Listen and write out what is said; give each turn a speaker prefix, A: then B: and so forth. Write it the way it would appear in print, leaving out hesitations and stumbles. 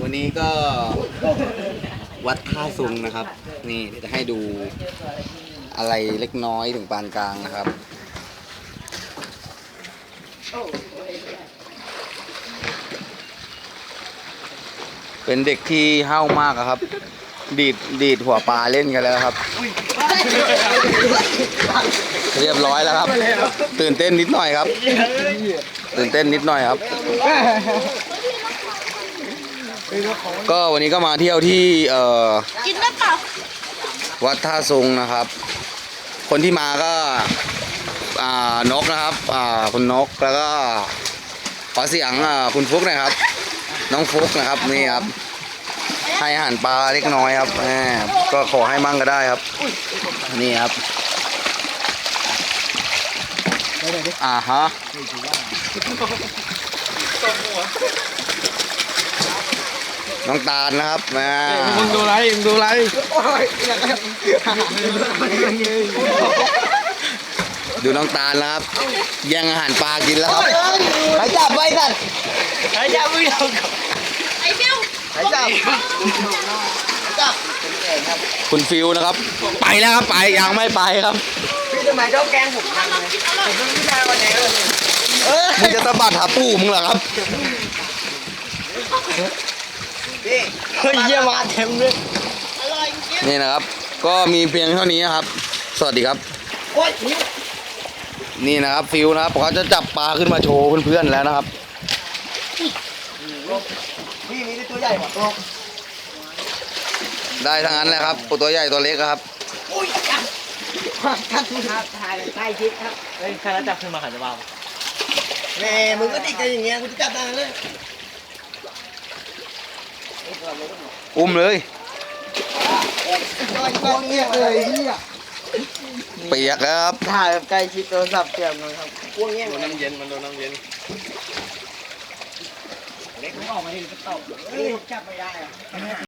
A: วันนี้ก็วัดท่าซุงนะครับนี่เดี๋ยวจะให้ดูอะไรเล็กน้อยถึงปานกลางนะครับเป็นเด็กที่ห้าวมากครับ ดีดหัวปลาเล่นกันแล้วครับเรียบร้อยแล้วครับตื่นเต้นนิดหน่อยครับตื่นเต้นนิดหน่อยครับก็วันนี้ก็มาเที่ยวที่
B: กินได้เปล่า
A: วัดท่าซุงนะครับคนที่มาก็นกนะครับคุณนกแล้วก็ขอเสียงคุณฟุกหน่อยครับน้องฟุกนะครับนี่ครับให้อาหารปลาเล็กน้อยครับก็ขอให้มั่งก็ได้ครับนี่ครับฮะน้องตาลนะครับ
C: มึงดูไร
A: ดูน้องตาลนะครับแย่งอาหารปลากินแล้วครับใครจับไว้กัน
C: ใครจับมือเรา
B: ไอ้เบี้ยว
A: ใครจับคุณฟิวนะครับไปแล้วครับไปยังไม่ไปครับ
C: พี่ทำไมชอบแกล้งผมจังเลยผมเพิ่งพี่ชายวันนี้
A: มึงจะสะบัดหาปู่มึงเหรอครับ
C: พี่เฮ้ยเยี่ยมาเต็มเลย
B: อร่อยจริง
A: นี่นะครับก็มีเพียงเท่านี้ครับสวัสดีครับนี่นะครับฟิวนะครับเขาจะจับปลาขึ้นมาโชว์เพื่อนๆแล้วนะครับ
C: พี่มีตัวใหญ่กว่าตัว
A: ได้ทั้งนั้นเลยครับตัวใหญ่ตัวเล็กครับ
C: อุ้ยท่านครับถ่ายใกล้ชิดครับเฮ้ยใครจับขึ้นมาขันจะบ้าแม่มึงก็ติดกันอย่างเงี้ยกูจะจับได้เลย
A: อุ้มเลย
C: เงี้ยเลยเนี่ย
A: เปียกครับ
C: ถ่ายแบบใกล้ชิดโทรศัพท์เปียกเลยครับพวกเงี้ยโดนน้ำเย็นมันโดนน้ำเย็นเล็กมึงออกมาดิจะตบเฮ้ยจับไม่ได้อะ